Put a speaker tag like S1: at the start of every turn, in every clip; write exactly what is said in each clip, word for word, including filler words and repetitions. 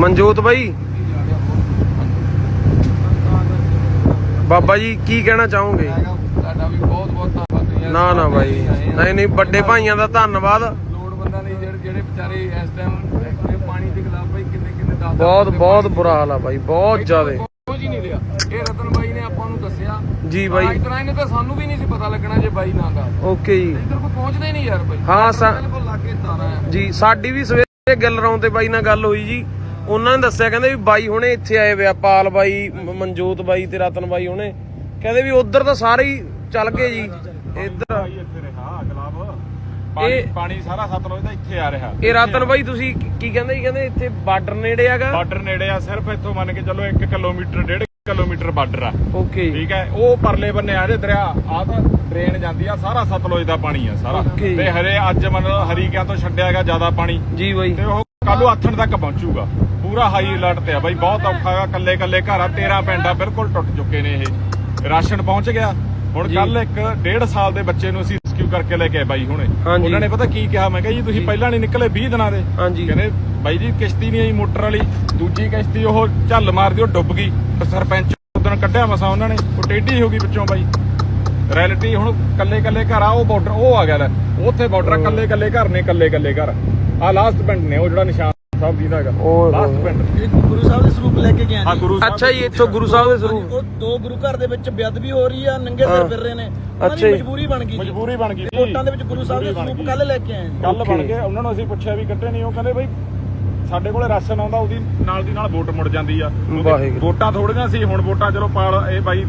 S1: ਮਨਜੋਤ ਬਾਈ, ਬਾਬਾ ਜੀ ਕੀ ਕਹਿਣਾ ਚਾਹੋਗੇ?
S2: ਤੁਹਾਡਾ ਵੀ ਬਹੁਤ ਬਹੁਤ ਧੰਨਵਾਦ।
S1: ਨਾ ਨਾ ਬਾਈ, ਨਹੀਂ ਨਹੀਂ, ਵੱਡੇ ਭਾਈਆਂ ਦਾ ਧੰਨਵਾਦ।
S2: ਲੋੜਵੰਦਾਂ ਲਈ ਜਿਹੜੇ ਜਿਹੜੇ ਵਿਚਾਰੇ ਇਸ ਟਾਈਮ ਪਾਣੀ ਦੇ ਖਿਲਾਫ ਬਾਈ ਕਿੰਨੇ ਕਿੰਨੇ ਦਾਦਾ
S1: ਬਹੁਤ ਬਹੁਤ ਬੁਰਾ ਹਾਲ ਆ ਬਾਈ, ਬਹੁਤ ਜ਼ਿਆਦਾ।
S2: ਕੁਝ ਹੀ ਨਹੀਂ ਲਿਆ। ਇਹ ਰਤਨ ਬਾਈ ਨੇ ਆਪਾਂ ਨੂੰ ਦੱਸਿਆ
S1: ਜੀ ਬਾਈ।
S2: ਅੱਜ ਤਰ੍ਹਾਂ ਇਹਨੇ ਤਾਂ ਸਾਨੂੰ ਵੀ ਨਹੀਂ ਸੀ ਪਤਾ ਲੱਗਣਾ ਜੇ ਬਾਈ ਨਾ ਦਾ।
S1: ਓਕੇ ਜੀ।
S2: ਇੱਧਰ ਕੋਈ ਪਹੁੰਚਦਾ ਹੀ ਨਹੀਂ ਯਾਰ ਬਾਈ।
S1: ਹਾਂ ਸਾ
S2: ਬਿਲਕੁਲ ਲਾਗੇ ਤਾਰਾ ਹੈ
S1: ਜੀ। ਸਾਡੀ ਵੀ ਸਵੇਰੇ ਗਿੱਲ ਰੌਂ ਤੇ ਬਾਈ ਨਾਲ ਗੱਲ ਹੋਈ ਜੀ। ਉਹਨਾਂ ਨੇ ਦੱਸਿਆ, ਕਹਿੰਦੇ ਵੀ ਬਾਈ ਹੁਣੇ ਇੱਥੇ ਆਏ ਵੇ ਆ, ਪਾਲ ਬਾਈ, ਮਨਜੋਤ ਬਾਈ ਤੇ ਰਤਨ ਬਾਈ ਹੁਣੇ। ਕਹਿੰਦੇ ਵੀ ਉਧਰ ਤਾਂ ਸਾਰੇ ਹੀ ਚੱਲ ਗਏ ਜੀ। ਇੱਧਰ
S3: ਇਹ ਪਾਣੀ ਸਾਰਾ ਸਤਲੁਜ ਦਾ ਇੱਥੇ ਆ ਰਿਹਾ।
S1: ਇਹ ਰਤਨ ਬਾਈ ਤੁਸੀਂ ਕੀ ਕਹਿੰਦੇ ਜੀ? ਕਹਿੰਦੇ ਇੱਥੇ ਬਾਰਡਰ ਨੇੜੇ ਹੈਗਾ।
S3: ਬਾਰਡਰ ਨੇੜੇ ਆ, ਸਿਰਫ ਇੱਥੋਂ ਮੰਨ ਕੇ ਚੱਲੋ ਇੱਕ ਕਿਲੋਮੀਟਰ ਡੇਢ ਕਿਲੋਮੀਟਰ ਬਾਰਡਰ ਆ।
S1: ਓਕੇ
S3: ਠੀਕ ਹੈ। ਉਹ ਪਰਲੇ ਬੰਨੇ ਆ ਜੇ ਦਰਿਆ, ਆ ਤਾਂ ਡਰੇਨ ਜਾਂਦੀ ਆ, ਸਾਰਾ ਸਤਲੁਜ ਦਾ ਪਾਣੀ ਆ ਸਾਰਾ। ਤੇ ਹਰੇ ਅੱਜ ਮਤਲਬ ਹਰੀਕਿਆਂ ਤੋਂ ਛੱਡਿਆ ਗਿਆ ਜ਼ਿਆਦਾ ਪਾਣੀ
S1: ਜੀ ਬਾਈ,
S3: ਤੇ ਉਹ ਕੱਲੂ ਆਥਣ ਤੱਕ ਪਹੁੰਚੂਗਾ। ਪੂਰਾ ਹਾਈ ਅਲਰਟ ਤੇ ਆ ਬਾਈ, ਬਹੁਤ ਔਖਾ ਆ। ਕੱਲੇ ਕੱਲੇ ਘਰ ਆ, ਤੇਰਾਂ ਪਿੰਡ ਆ, ਬਿਲਕੁਲ ਟੁੱਟ ਚੁੱਕੇ ਨੇ ਇਹ। ਰਾਸ਼ਨ ਪਹੁੰਚ ਗਿਆ। ਹੁਣ ਕੱਲ ਇੱਕ ਡੇਢ ਸਾਲ ਦੇ ਬੱਚੇ ਨੂੰ ਅਸੀਂ ਰੈਸਕਿਊ ਕਰਕੇ ਲੈ ਕੇ ਆਏ ਬਾਈ ਹੁਣੇ। ਉਹਨਾਂ ਨੇ ਪਤਾ ਕੀ ਕਿਹਾ? ਮੈਂ ਕਿਹਾ ਜੀ ਤੁਸੀਂ ਪਹਿਲਾਂ ਨਹੀਂ ਨਿਕਲੇ ਵੀਹ ਦਿਨਾਂ ਦੇ। ਕਹਿੰਦੇ ਬਾਈ ਜੀ ਕਿਸ਼ਤੀ ਨਹੀਂ ਆਈ ਮੋਟਰ ਵਾਲੀ, ਦੂਜੀ ਕਿਸ਼ਤੀ ਉਹ ਝੱਲ ਮਾਰਦੀ, ਉਹ ਡੁੱਬ ਗਈ। ਸਰਪੰਚ ਉਦੋਂ ਕੱਢਿਆ ਮਸਾ ਉਹਨਾਂ ਨੇ, ਉਹ ਟੇਢੀ ਹੋ ਗਈ ਵਿੱਚੋਂ ਬਾਈ। ਰੈਲਿਟੀ ਹੁਣ ਕੱਲੇ ਕੱਲੇ ਘਰ ਆ, ਉਹ ਬਾਰਡਰ ਉਹ ਆ ਗਿਆ ਲੈ, ਉੱਥੇ ਬਾਰਡਰ ਆ, ਕੱਲੇ ਕੱਲੇ ਘਰ ਨੇ, ਕੱਲੇ ਕੱਲੇ ਘਰ ਆ। ਲਾਸਟ ਪਿੰਡ ਨੇ ਉਹ ਜਿਹੜਾ ਨਿਸ਼ਾਨ ਸਾਹਿਬ ਜੀ ਦਾ ਹੈਗਾ, ਲਾਸਟ ਪਿੰਡ।
S4: ਗੁਰੂ ਸਾਹਿਬ ਦੇ ਸਰੂਪ ਲੈ ਕੇ ਗਏ
S3: ਹਾਂ ਗੁਰੂ ਸਾਹਿਬ।
S1: ਅੱਛਾ ਜੀ, ਇੱਥੋਂ ਗੁਰੂ ਸਾਹਿਬ ਦੇ ਸਰੂਪ।
S4: ਉਹ ਦੋ ਗੁਰੂ ਘਰ ਦੇ ਵਿੱਚ ਬੇਅਦਬੀ ਹੋ ਰਹੀ ਆ, ਨੰਗੇ ਸਿਰ ਫਿਰ ਰਹੇ ਨੇ।
S1: ਅੱਛਾ ਜੀ,
S4: ਮਜਬੂਰੀ ਬਣ ਗਈ।
S3: ਮਜਬੂਰੀ ਬਣ ਗਈ।
S4: ਕੋਟਾਂ ਦੇ ਵਿੱਚ ਗੁਰੂ ਸਾਹਿਬ ਦੇ ਸਰੂਪ ਕੱਲ ਲੈ ਕੇ ਆਏ
S3: ਕੱਲ ਬਣ ਗਏ। ਉਹਨਾਂ ਨੂੰ ਅਸੀਂ ਪੁੱਛਿਆ ਵੀ ਕੱਢੇ ਨਹੀਂ, ਉਹ ਕਹਿੰਦੇ ਬਈ ਸਾਡੇ ਕੋਲੇ ਰਾਸ਼ਨ ਆਉਂਦਾ, ਉਹਦੀ ਨਾਲ ਦੀ ਨਾਲ ਵੋਟ ਮੁੜ ਜਾਂਦੀ ਆ। ਵੋਟਾਂ ਥੋੜੀਆਂ ਸੀ, ਹੁਣ ਵੋਟਾਂ ਚਲੋ ਪਾਲ ਇਹ ਬਾਈ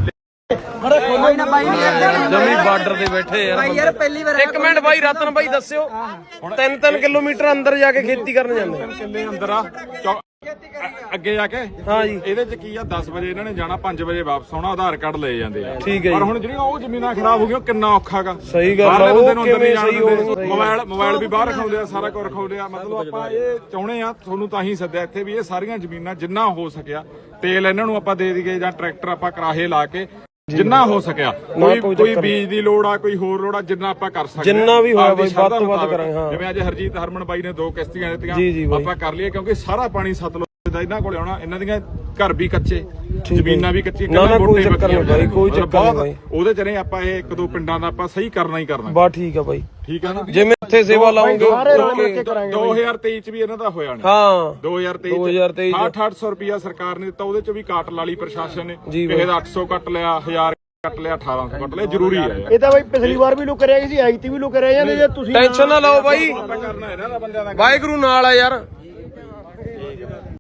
S1: ਜਮੀ ਬਾਰਡਰ ਤੇ ਬੈਠੇ ਯਾਰ ਬਾਈ। ਯਾਰ ਪਹਿਲੀ ਵਾਰ ਇੱਕ ਮਿੰਟ ਬਾਈ, ਰਤਨ ਬਾਈ ਦੱਸਿਓ, ਤਿੰਨ ਤਿੰਨ ਕਿਲੋਮੀਟਰ ਅੰਦਰ ਜਾ ਕੇ ਖੇਤੀ ਕਰਨ ਜਾਂਦੇ
S3: ਕਿੱਲੇ ਅੰਦਰ ਆ ਅੱਗੇ ਜਾ ਕੇ।
S1: ਹਾਂ ਜੀ।
S3: ਇਹਦੇ ਚ ਕੀ ਆ, ਦਸ ਵਜੇ ਇਹਨਾਂ ਨੇ ਜਾਣਾ, ਪੰਜ ਵਜੇ ਵਾਪਸ ਆਉਣਾ, ਆਧਾਰ ਕਾਰਡ ਲੈ ਜਾਂਦੇ ਆ।
S1: ਠੀਕ ਹੈ।
S3: ਪਰ ਹੁਣ ਜਿਹੜੀਆਂ ਉਹ ਜ਼ਮੀਨਾਂ ਖਰਾਬ ਹੋ ਗਈਆਂ, ਕਿੰਨਾ ਔਖਾਗਾ।
S1: ਸਹੀ ਗੱਲ ਆ। ਉਹ ਕਿਵੇਂ ਸਹੀ ਹੋਣਗੇ?
S3: ਮੋਬਾਈਲ ਮੋਬਾਈਲ ਵੀ ਬਾਹਰ ਰਖਾਉਂਦੇ ਆ, ਸਾਰਾ ਕੁਝ ਰਖਾਉਂਦੇ ਆ। ਮਤਲਬ ਆਪਾਂ ਇਹ ਚਾਹੁੰਦੇ ਆ, ਤੁਹਾਨੂੰ ਤਾਂ ਹੀ ਸੱਦਿਆ ਇੱਥੇ ਵੀ ਇਹ ਸਾਰੀਆਂ ਜ਼ਮੀਨਾਂ ਜਿੰਨਾ ਹੋ ਸਕਿਆ ਤੇਲ ਇਹਨਾਂ ਨੂੰ ਆਪਾਂ ਦੇ ਦਈਏ, ਜਾਂ ਟਰੈਕਟਰ ਆਪਾਂ ਕਰਾਹੇ ਲਾ ਕੇ ਜਿੰਨਾ ਹੋ ਸਕਿਆ। ਕੋਈ ਕੋਈ ਬੀਜ ਦੀ ਲੋੜ ਆ, ਕੋਈ ਹੋਰ ਲੋੜ ਆ, ਜਿੰਨਾ ਆਪਾਂ ਕਰ ਸਕਦੇ,
S1: ਜਿੰਨਾ ਵੀ ਹੋਇਆ ਬਾਈ ਵੱਧ ਤੋਂ ਵੱਧ ਕਰਾਂਗੇ। ਹਾਂ
S3: ਜਿਵੇਂ ਅੱਜ ਹਰਜੀਤ ਹਰਮਨ ਬਾਈ ਨੇ ਦੋ ਕਿਸ਼ਤੀਆਂ ਦਿੱਤੀਆਂ, ਆਪਾਂ ਕਰ ਲਈਏ, ਕਿਉਂਕਿ ਸਾਰਾ ਪਾਣੀ ਸਤਲੁਜ ਦਾ ਇਹਨਾਂ ਕੋਲੇ ਆਉਣਾ। ਇਹਨਾਂ ਦੀਆਂ ਘਰ ਵੀ ਕੱਚੇ, ਜ਼ਮੀਨਾਂ ਵੀ ਕੱਚੀਆਂ,
S1: ਨਾ ਕੋਈ ਚੱਕਰ ਨਹੀਂ ਬਾਈ, ਕੋਈ ਚੱਕਰ ਨਹੀਂ ਬਾਈ।
S3: ਉਹਦੇ ਚ ਰਹੇ ਆਪਾਂ ਇਹ ਇੱਕ ਦੋ ਪਿੰਡਾਂ ਦਾ ਆਪਾਂ ਸਹੀ ਕਰਨਾ ਹੀ ਕਰਨਾ।
S1: ਬਾ ਠੀਕ ਆ ਬਾਈ,
S3: ਠੀਕ ਆ ਨਾ।
S1: ਜਿਵੇਂ ਇੱਥੇ ਸੇਵਾ ਲਾਉਂਗੇ।
S3: ਦੋ ਹਜ਼ਾਰ ਤੇਈ ਚ ਵੀ ਇਹਨਾਂ ਦਾ ਹੋਇਆ ਨਹੀਂ।
S1: ਹਾਂ
S3: ਦੋ ਹਜ਼ਾਰ ਤੇਈ ਚ ਅੱਠ ਅੱਠ ਸੌ ਰੁਪਇਆ ਸਰਕਾਰ ਨੇ ਦਿੱਤਾ, ਉਹਦੇ ਚ ਵੀ ਕਾਟ ਲਾ ਲਈ ਪ੍ਰਸ਼ਾਸਨ ਨੇ। ਕਿਸੇ ਦਾ ਅੱਠ ਸੌ ਕੱਟ ਲਿਆ, ਹਜ਼ਾਰ ਕੱਟ ਲਿਆ, ਅਠਾਰਾਂ ਸੌ ਕੱਟ ਲਿਆ। ਜ਼ਰੂਰੀ ਹੈ
S4: ਇਹ ਤਾਂ ਬਾਈ ਪਿਛਲੀ ਵਾਰ ਵੀ ਲੁਕ ਰਿਹਾ ਸੀ, ਐਗਤੀ ਵੀ ਲੁਕ ਰਹੇ ਜਾਂਦੇ। ਜੇ ਤੁਸੀਂ
S1: ਟੈਨਸ਼ਨ ਨਾ ਲਓ ਬਾਈ,
S3: ਕਰਨਾ ਇਹਨਾਂ ਦਾ ਬੰਦਿਆਂ ਦਾ।
S1: ਵਾਹਿਗੁਰੂ ਨਾਲ ਆ ਯਾਰ।